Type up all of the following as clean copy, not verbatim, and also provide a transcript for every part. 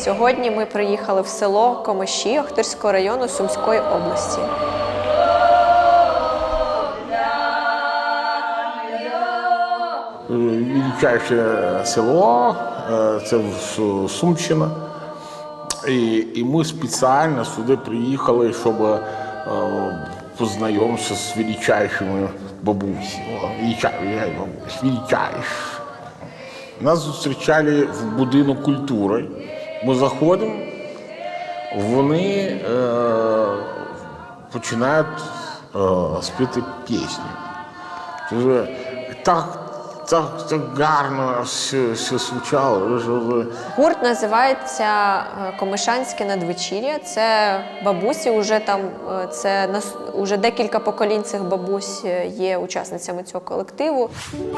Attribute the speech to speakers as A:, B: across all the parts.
A: Сьогодні ми приїхали в село Комиші Охтирського району Сумської області.
B: Величайше село, це Сумщина. І ми спеціально сюди приїхали, щоб познайомитися з величайшими бабусями. Величайші. Нас зустрічали в будинок культури. Ми заходимо, вони починають співати пісню. Так гарно все звучало.
A: Гурт називається «Комишанське надвечір'я». Це бабусі, уже декілька поколінь цих бабусь є учасницями цього колективу.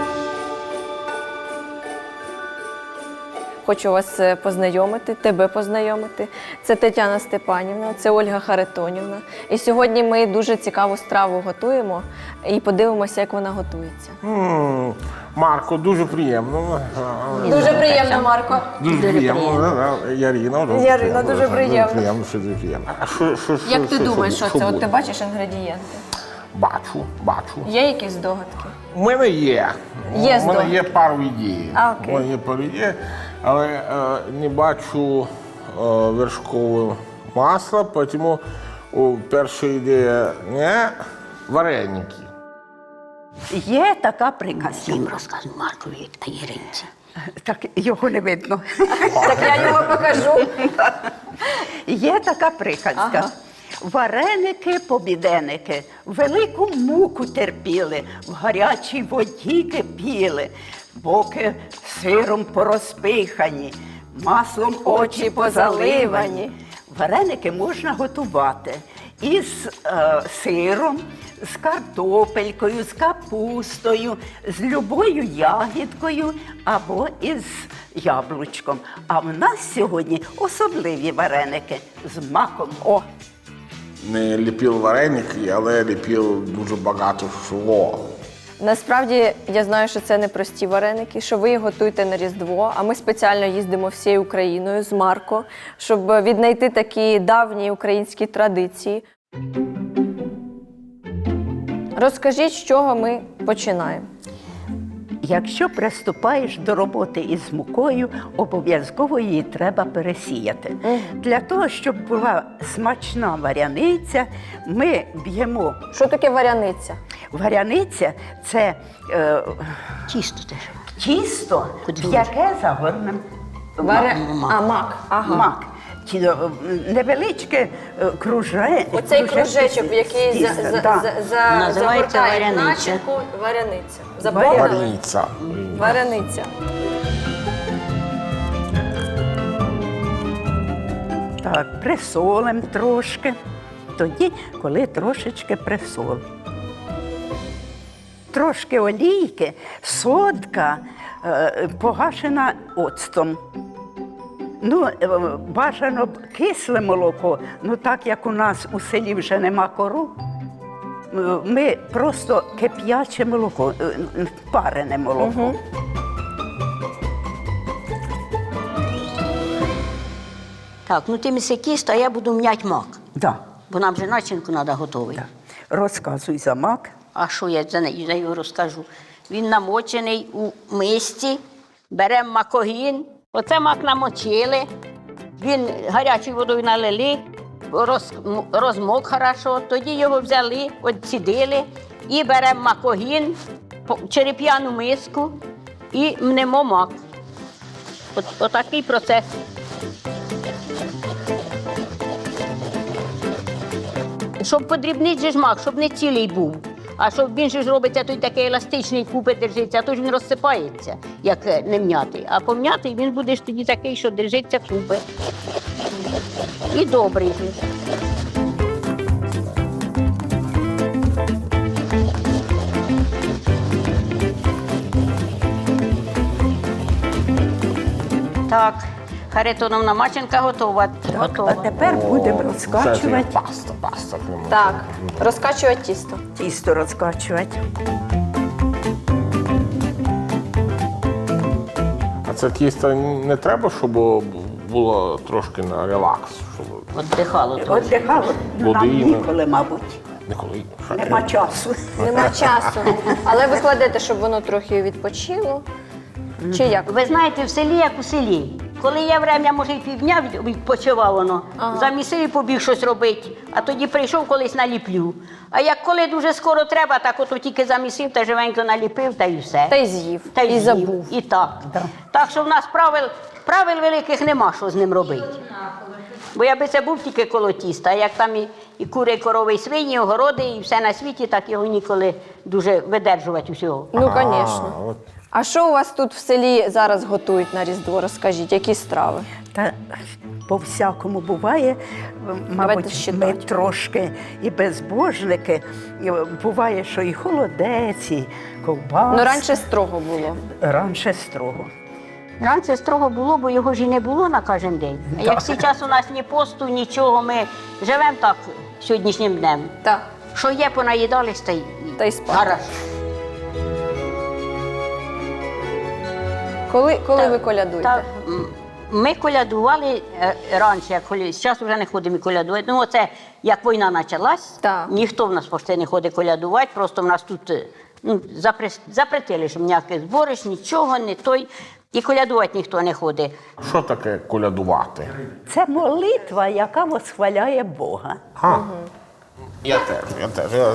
A: Хочу вас познайомити, тебе познайомити. Це Тетяна Степанівна, це Ольга Харитонівна. І сьогодні ми дуже цікаву страву готуємо і подивимося, як вона готується.
B: Марко, дуже приємно.
A: Дуже приємно, Марко.
B: Дуже приємно.
A: Ярина, дуже приємно.
B: Дуже приємно.
A: Як ти думаєш, що це? От ти бачиш інгредієнти?
B: Бачу.
A: Є якісь здогадки?
B: У мене є.
A: Є
B: У мене є пару ідей.
A: Окей.
B: У мене є пару ідей, але не бачу вершкове масло, тому перша ідея не вареники.
C: Є така приказка.
D: Їм розказуй Маркові та Іринці.
C: Так його не видно.
A: Так я його покажу.
C: Є така приказка.
A: Ага.
C: Вареники, побіденики, велику муку терпіли, в гарячій воді кипіли, боки сиром порозпихані, маслом очі позаливані. Вареники можна готувати із сиром, з картопелькою, з капустою, з любою ягідкою або із яблучком. А в нас сьогодні особливі вареники з маком. О!
B: Не ліпив вареники, але ліпив дуже багато всього.
A: Насправді, я знаю, що це не прості вареники, що ви їх готуєте на Різдво, а ми спеціально їздимо всією Україною з Марко, щоб віднайти такі давні українські традиції. Розкажіть, з чого ми починаємо?
C: Якщо приступаєш до роботи із мукою, обов'язково її треба пересіяти. Для того, щоб була смачна варяниця, ми б'ємо.
A: Що таке варяниця?
C: Варяниця – це
D: Тісто теж.
C: тісто,
D: Куди
C: в яке загорнемо
A: Мак. Ага.
C: мак. Невеличке
A: Оцей кружечок, в який
D: Називається
A: загортають
D: варяниця.
A: начинку, варяниця. Запомнили?
B: Варениця.
A: Варениця.
C: Так, присолимо трошки. Тоді, коли трошечки присолимо. Трошки олійки, содка погашена оцтом. Бажано б кисле молоко, так як у нас у селі вже нема кору, ми просто кип'яче молоко, парене молоко.
D: Так, ти міси тісто, а я буду м'ять мак.
C: Да.
D: Бо нам же начинку треба готовий.
C: Розказуй за мак.
D: А що я за його розкажу? Він намочений у мисці, беремо макогін. Оце мак намочили, він гарячою водою налили, розмок хорошо, тоді його взяли, відцідили і беремо макогін, череп'яну миску і мнемо мак. Отакий процес. Щоб подрібнити же ж мак, щоб не цілий був. А щоб він же ж робиться, той такий еластичний, купи держиться, а то ж він розсипається, як не м'ятий. А пом'ятий він буде ж тоді такий, що держиться купи. І добрий же. Так, Харитоновна начинка готова.
C: А тепер будемо розкачувати.
B: Паста.
A: Так, розкачувати тісто.
C: Тісто розкачувати.
B: А це тісто не треба, щоб було трошки на релакс. Щоб
D: Віддихало трохи.
C: Отдихало нам
B: Води,
C: ніколи, мабуть.
B: ніколи.
C: Нема часу.
A: Нема часу. Але ви кладете, щоб воно трохи відпочило. Чи як?
D: Ви знаєте, в селі як у селі. Коли є время, може, і півдня відпочивав воно, замісив і побіг щось робити, а тоді прийшов, колись наліплю. А як коли дуже скоро треба, так ото тільки замісив та живенько наліпив, та і все.
A: Та й з'їв,
D: Та й
A: і
D: з'їв.
A: забув.
D: І так. Так що в нас правил великих нема, що з ним робити. Бо я би це був тільки коло тіста, а як там і кури, і корови, і свині, і огороди, і все на світі, так його ніколи дуже видержувати усього.
A: Ну, звісно.
B: от.
A: А що у вас тут в селі зараз готують на Різдво? Розкажіть, які страви?
C: Та по-всякому буває, мабуть,
A: щитати.
C: ми трошки і безбожники. І буває, що і холодець, і ковбаска.
A: Ну, раніше строго було.
C: Раніше строго.
D: Раніше строго було, бо його ж і не було на кожен день. А як зараз у нас ні посту, нічого, ми живемо так сьогоднішнім днем.
A: Так.
D: Що є, понаїдались,
A: Та й спати.
D: Гаразд.
A: Коли ви колядуєте?
D: Так, ми колядували раніше, як зараз вже не ходимо і колядувати. Ну, оце як війна почалась,
A: Так.
D: ніхто в нас почти не ходить колядувати, просто в нас тут запретили, що ніяке збориш, нічого, не той. І колядувати ніхто не ходить.
B: Що таке колядувати?
C: Це молитва, яка восхваляє Бога.
B: Я теж. Я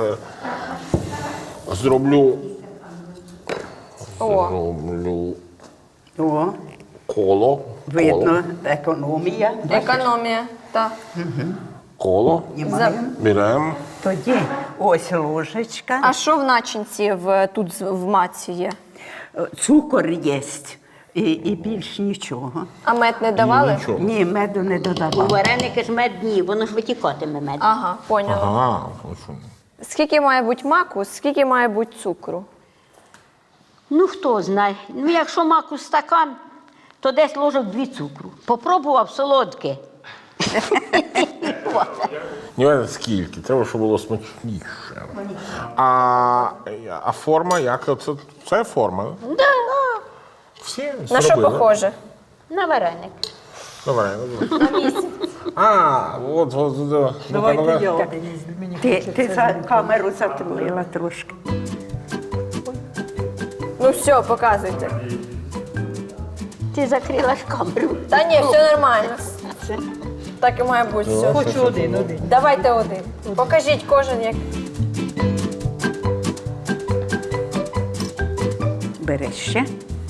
B: зроблю
C: О,
B: коло.
C: видно, економія.
A: Економія. Так.
B: Коло. Беремо.
C: Тоді ось ложечка,
A: А що в начинці тут в маці є?
C: цукор є і більш нічого.
A: А мед не давали?
B: Нічого.
C: Ні, меду не
D: У
C: додавав.
D: вареники ж медні, воно ж витікатиме мед.
A: Ага, поняла.
B: Ага, що?
A: Скільки має бути маку, скільки має бути цукру?
D: Ну, хто знає. Ну, якщо маку стакан, то десь ложок 2 цукру. Попробував солодке.
B: Не скільки, треба, щоб було смачніше. А форма як? Це форма?
D: Да.
B: Всі
A: На що
B: зробили?
A: похоже?
D: На вареник.
B: Давай. От.
E: Давайте я.
C: Ти за камеру затулила трошки.
A: Ну все, показуйте.
D: Ти закрила ж камеру.
A: Та ні, все нормально. Так і має бути все.
E: Хочу один.
A: Давайте один. Покажіть кожен як.
C: Бери ще.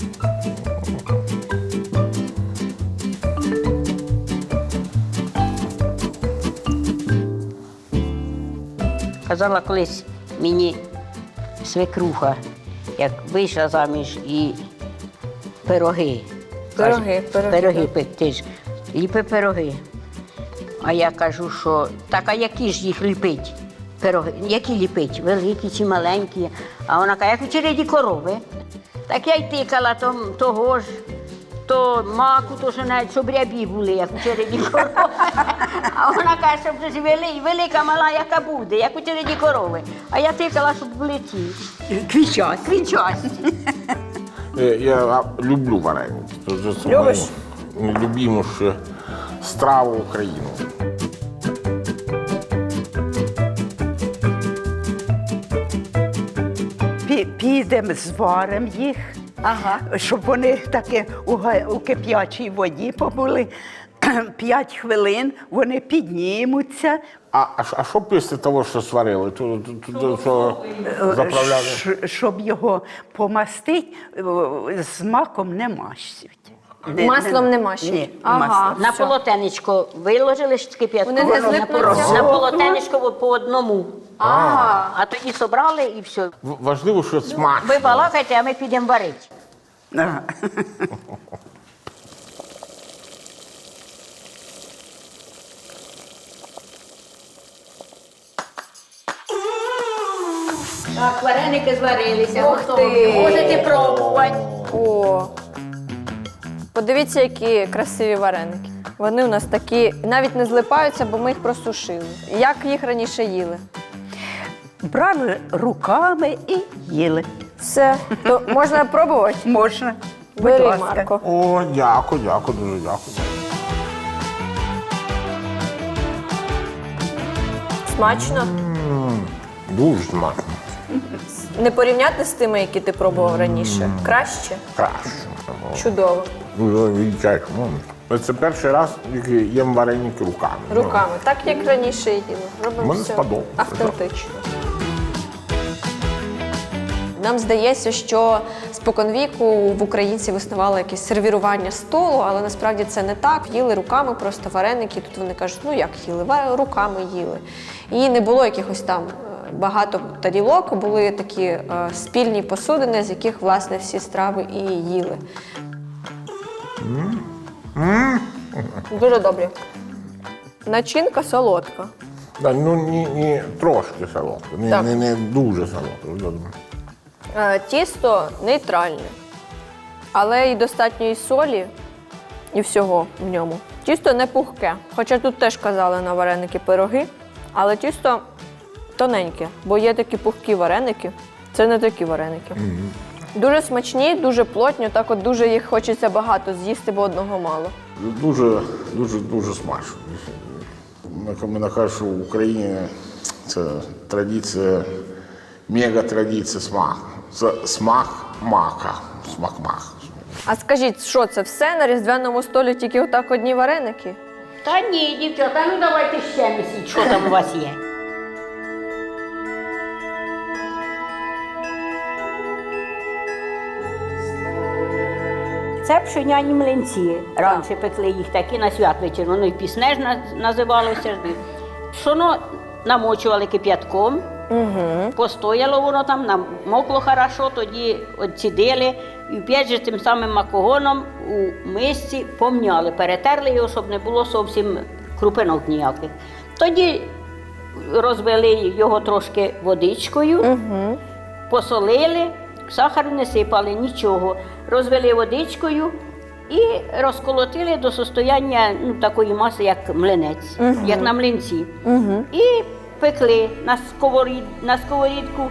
D: Казала колись мені свекруха, як вийшла заміж і пироги.
A: Пироги,
D: Каже,
A: пироги.
D: пекти ж. Ліпи пироги. А я кажу, що так, а які ж їх ліпить? Пироги, які ліпить? Великі чи маленькі? А вона каже, як у череді корови. Так я й тикала того ж, то маку, то що навіть щоб рябі були, як у череді корови. А вона каже, щоб вже ж велика, мала, яка буде, як у череді корови. А я тикала, щоб були ці. Квітчасті.
B: Я люблю вареники. Це
A: Любиш?
B: любиміша страва України.
C: Підемо, зваримо їх, щоб вони таки у кип'ячій воді побули. 5 хвилин вони піднімуться,
B: А що після того, що сварили? Що заправляли?
C: щоб його помастити, з маком не мащуть.
A: Маслом не мащуть?
C: Ні,
A: Ага.
C: маслом.
D: На полотенечко виложили ж кип'ятку,
A: Вони не злипнуться?
D: на полотенечко по одному.
A: Ага.
D: А тоді собрали і все.
B: Важливо, що смачно.
D: Ви балакайте, а ми підемо варити.
C: Ага.
D: Так, вареники зварилися,
A: Ух ти!
D: Можете пробувати.
A: О. Подивіться, які красиві вареники. Вони у нас такі, навіть не злипаються, бо ми їх просушили. Як їх раніше їли?
C: Брали руками і їли.
A: Все. То можна пробувати?
C: Можна. Будь
A: Бери,
C: ласка.
A: Марко.
B: О, дякую, дуже дякую.
A: Смачно?
B: Дуже смачно.
A: Не порівняти з тими, які ти пробував раніше? Краще?
B: Краще.
A: Чудово.
B: Дуже відчаєш. Це перший раз, як їм вареники руками.
A: Руками. Так, як раніше їли. Робимо
B: Мені
A: все
B: сподобалося,
A: автентично. Нам здається, що споконвіку в українців існувало якесь сервірування столу, але насправді це не так. Їли руками просто вареники. Тут вони кажуть, ну як їли? Руками їли. І не було якихось там багато тарілок, були такі спільні посудини, з яких, власне, всі страви і їли. Дуже добре. Начинка солодка.
B: Да, ну, не трошки солодко,
A: Так.
B: не дуже солодко.
A: Тісто нейтральне, але і достатньо і солі, і всього в ньому. Тісто не пухке, хоча тут теж казали на вареники пироги, але тісто тоненьке, бо є такі пухкі вареники, це не такі вареники. Дуже смачні, дуже плотні, так от дуже їх хочеться багато з'їсти, бо одного мало.
B: Дуже смачно. Мене кажуть, що в Україні це традиція, мега-традиція смаку. Це смак мака. Смак мака.
A: А скажіть, що це все на різдвяному столі тільки отак одні вареники?
D: Та ні, дівчата, ну давайте ще місіть, що там у вас є. Це пшеняні млинці. Раніше пекли їх такі на святвечір, воно і пісне ж називалося. Пшоно намочували кип'ятком, постояло воно там, намокло хорошо, тоді відцідили і опять же тим самим макогоном у мисці помняли, перетерли його, щоб не було зовсім крупинок ніяких. Тоді розвели його трошки водичкою, посолили, сахар не сипали, нічого. Розвели водичкою і розколотили до состояння такої маси, як млинець, як на млинці. І пекли на сковорідку.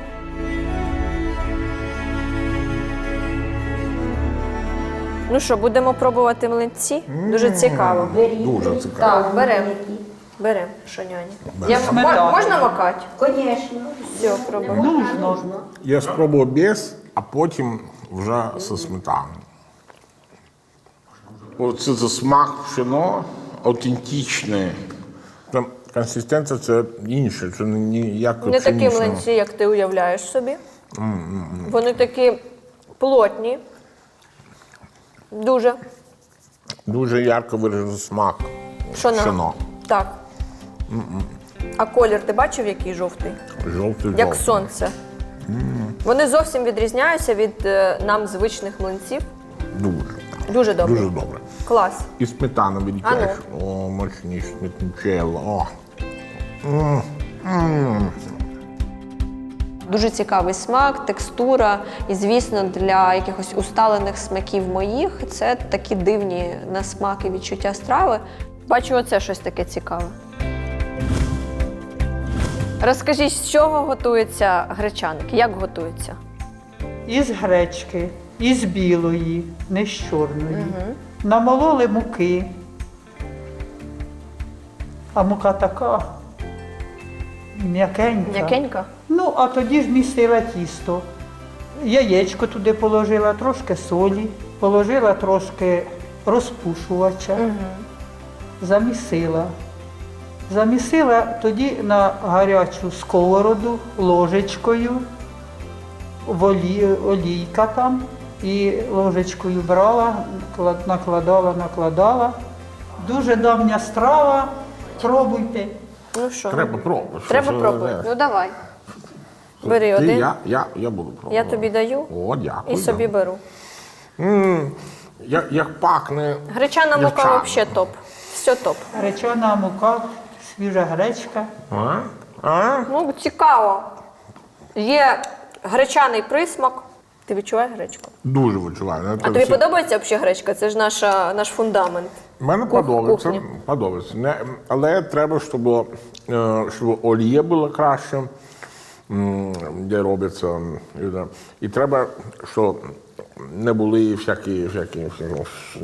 A: Ну що, будемо пробувати млинці? Дуже цікаво.
B: Дуже цікаво.
A: Так, беремо. Беремо, шоняні. Можна макати?
D: Звісно.
A: Все, пробуємо.
E: Нужно.
B: Я спробував без, а потім вже зі сметаною. Оце це смак пшено автентичний. Там консистенція це інша, це не як
A: Не такі
B: пшенична.
A: млинці, як ти уявляєш собі. Вони такі плотні. Дуже.
B: Дуже ярко виражений смак пшено.
A: Так. А колір ти бачив, який жовтий?
B: Жовтий.
A: Як сонце. Вони зовсім відрізняються від нам звичних млинців.
B: Дуже.
A: Дуже добре.
B: Дуже добре.
A: Клас.
B: І сметана відчуваєш. О, мощніше сметанчело. О.
A: Дуже цікавий смак, текстура. І, звісно, для якихось усталених смаків моїх це такі дивні на смак і відчуття страви. Бачу, оце щось таке цікаве. Розкажіть, з чого готується гречаник? Як готується?
E: Із гречки, із білої, не з чорної. Намололи муки. А мука така м'якенька.
A: М'якенька?
E: Ну, а тоді змістила тісто. Яєчко туди положила, трошки солі, положила трошки розпушувача, замісила. Замісила тоді на гарячу сковороду ложечкою, олійка там, і ложечкою брала, накладала. Дуже давня страва, пробуйте.
A: Ну що?
B: Треба пробувати.
A: Треба пробувати. Ну давай. Бери один.
B: Я буду пробувати.
A: Я тобі даю
B: О, дякую.
A: і собі беру.
B: Як пахне.
A: Гречана мука
B: дівчата.
A: взагалі топ. Все топ.
E: Гречана мука, свіжа гречка.
A: Ну, цікаво. Є гречаний присмак. Ти відчуваєш гречку?
B: Дуже відчуваю.
A: А тобі подобається взагалі гречка? Це ж наш фундамент.
B: Мені
A: Кухня.
B: подобається. Але треба, щоб олія була краще, де робиться. І треба, щоб не були всякі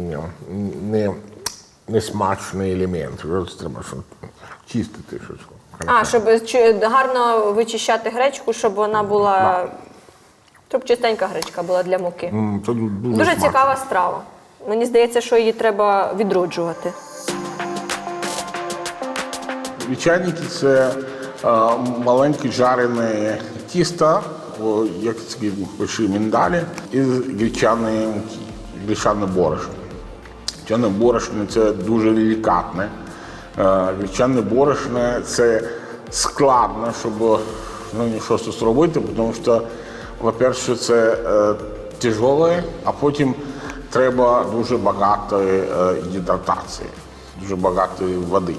B: несмачні елементи. Треба чистити щось.
A: А, щоб гарно вичищати гречку, щоб вона була. Щоб чистенька гречка була для муки.
B: Це дуже
A: Дуже
B: смачно.
A: цікава страва. Мені здається, що її треба відроджувати.
B: Вівчаники – це маленькі жарені тіста, як такі больші міндалі, із гречаної муки, гречане борошно. Гречане борошно – це дуже делікатне. Гречане борошно – це складно, щоб щось зробити, тому що, по-перше, це тяжеле, а потім треба дуже багато гідратації, дуже багато води.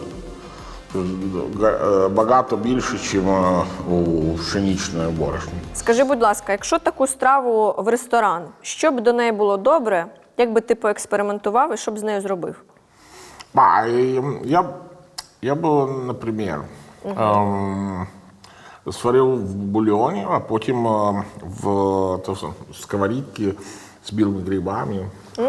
B: Багато більше, ніж у пшеничної борошні.
A: Скажи, будь ласка, якщо таку страву в ресторан, що б до неї було добре, як би ти поекспериментував і що б з нею зробив?
B: Я б, наприклад, сварив в бульйоні, а потім в сковорідці з білими грибами.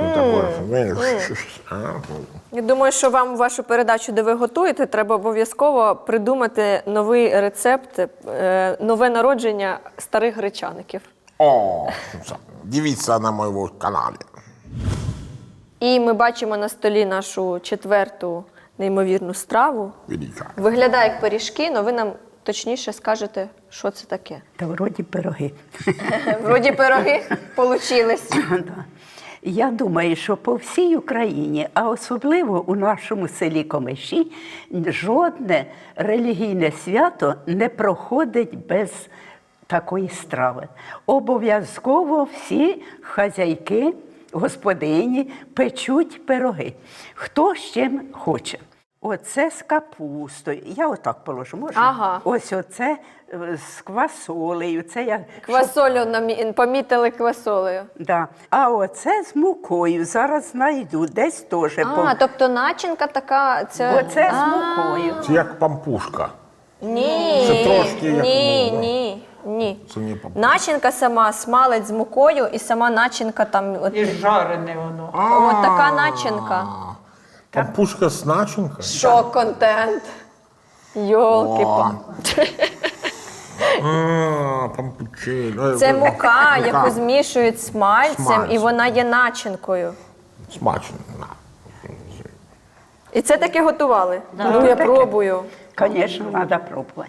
A: Я думаю, що вам вашу передачу, де ви готуєте, треба обов'язково придумати новий рецепт, нове народження старих гречаників.
B: О, дивіться на моєму каналі.
A: І ми бачимо на столі нашу четверту неймовірну страву.
B: Велика.
A: Виглядає як пиріжки, але ви нам точніше скажете, що це таке.
C: Та вроді пироги.
A: Вроді пироги получились.
C: Да. Я думаю, що по всій Україні, а особливо у нашому селі Комиші, жодне релігійне свято не проходить без такої страви. Обов'язково всі хазяйки, господині печуть пироги. Хто з чим хоче. Оце з капустою. Я отак положу, можна?
A: Ага.
C: Ось оце з квасолею. Це я
A: Квасолю помітили квасолею.
C: Да. А оце з мукою. Зараз знайду. Десь теж.
A: Тобто начинка така, це...
C: Оце з мукою.
B: Це як пампушка.
A: Ні,
B: Це трошки як,
A: ні.
B: Це не пампушка.
A: Начинка сама, смалець з мукою і сама начинка там, от,
E: І жарене воно.
A: от така начинка.
B: Пампушка з начинкою?
A: Шок-контент. Йолки-па.
B: Пампучель.
A: Це мука, яку змішують з смальцем, і вона є начинкою.
B: Смачно.
A: І це таке готували? Ну, я пробую.
C: Звісно, треба пробувати.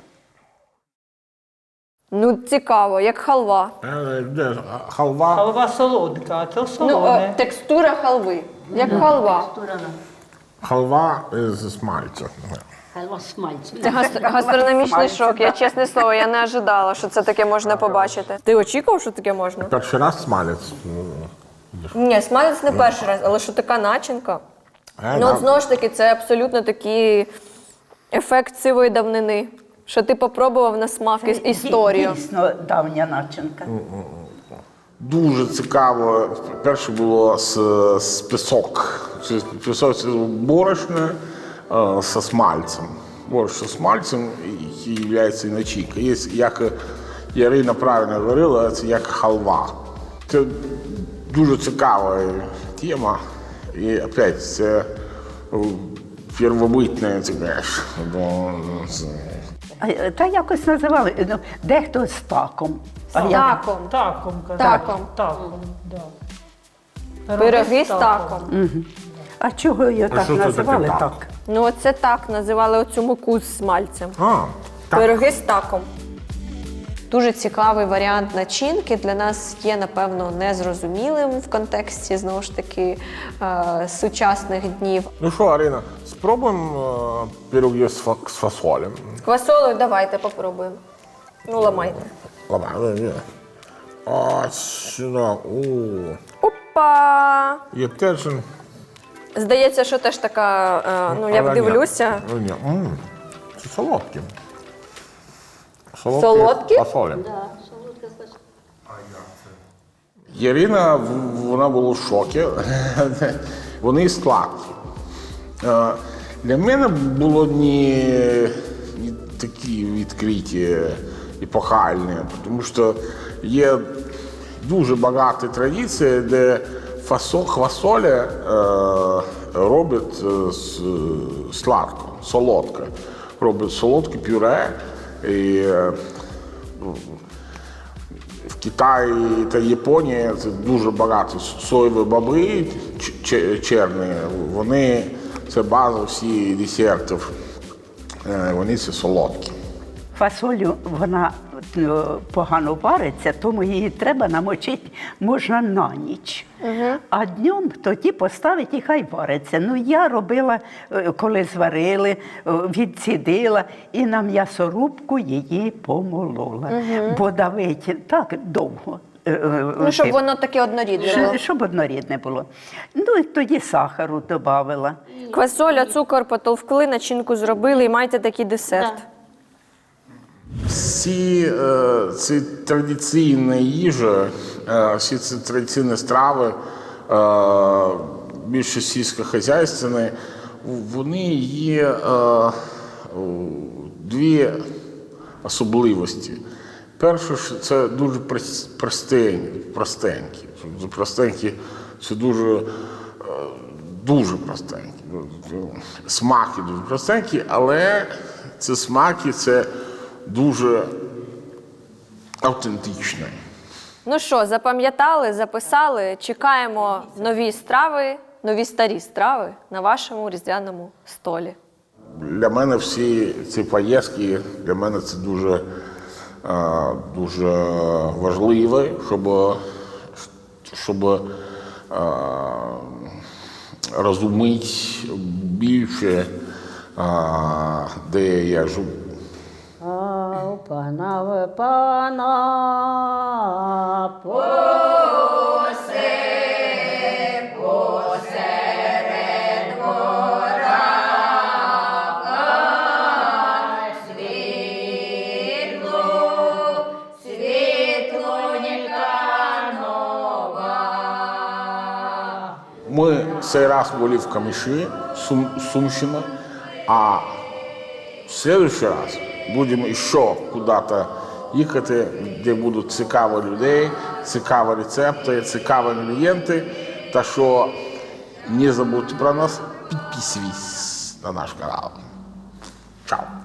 A: Ну, цікаво, як халва.
B: Халва.
E: Халва солодка, а то
A: Ну,
E: солоне.
A: текстура халви, як халва.
B: Халва з смальцем.
D: Халва смальцю.
A: Це гастрономічний шок. Я, чесне слово, я не ожидала, що це таке можна побачити. Ти очікував, що таке можна?
B: Перший раз смалець.
A: Ні, смалець не перший раз, але що така начинка. Ну, от знову ж таки, це абсолютно такий ефект сивої давнини. Що ти попробував на смак історію.
C: Дійсно давня начинка.
B: Дуже цікаво. Перше було з пісок. Пісок це борошно зі смальцем. Борошно з смальцем, який є і начинка. Є, як Ярина правильно говорила, це як халва. Це дуже цікава тема. І опять це первобитне, це знаєш.
C: Та якось називали. Ну, дехто з таком.
A: Таком.
E: Таком, казали.
A: Таком.
E: Таком, да.
A: Пироги з таком.
C: А чого її так
B: що це
C: називали
B: таке
C: так?
A: Ну, оце так називали оцю муку з смальцем.
B: Так.
A: Пироги з таком. Дуже цікавий варіант начинки. Для нас є, напевно, незрозумілим в контексті, знову ж таки, сучасних днів.
B: Ну що, Арина, спробуємо пироги з фасолем.
A: З квасолею давайте попробуємо. Ну, ламайте.
B: Ладно, ось сюди.
A: Опа!
B: Є теж.
A: Здається, що теж така, ну, як дивлюся.
B: Це солодкі.
A: Солодкі?
B: Фасолі. Ярина, вона була в шокі. Вони сладкі. Для мене було не такі відкриті, епохальні, тому що є дуже багато традицій, де квасоля роблять сладко, солодко. робить солодке пюре. І в Китаї та Японії це дуже багато соєві бобри чорні. Вони це база всіх десертів. Вони це солодкі.
C: Фасолю, вона погано вариться, тому її треба намочити можна на ніч. А днем тоді поставити і хай вариться. Ну, я робила, коли зварили, відцідила і на м'ясорубку її помолола. Бо давити так довго.
A: Ну, щоб воно таке однорідне було.
C: Щоб однорідне було. Ну, і тоді сахару додавала.
A: Квасоля, цукор потовкли, начинку зробили і маєте такий десерт.
B: Всі ці традиційні їжі, всі ці традиційні страви, більше сільськохозяйственні, вони є дві особливості. Перше, що це дуже простенькі. Простенькі – це дуже простенькі. Смаки дуже простенькі, але ці смаки – це дуже автентичне.
A: Ну що, запам'ятали, записали, чекаємо нові страви, нові старі страви на вашому різдвяному столі.
B: Для мене всі ці поїздки, для мене це дуже важливо, щоб розуміти більше, де я живу.
D: Пана, пана,
B: Мы цей раз были в Камыши, Сумщина, а в следующий раз будем еще куда-то їхати, де будуть цікаві людей, цікаві рецепти, цікаві інгредієнти. Та що не забудьте про нас, підписуйтесь на наш канал. Чао!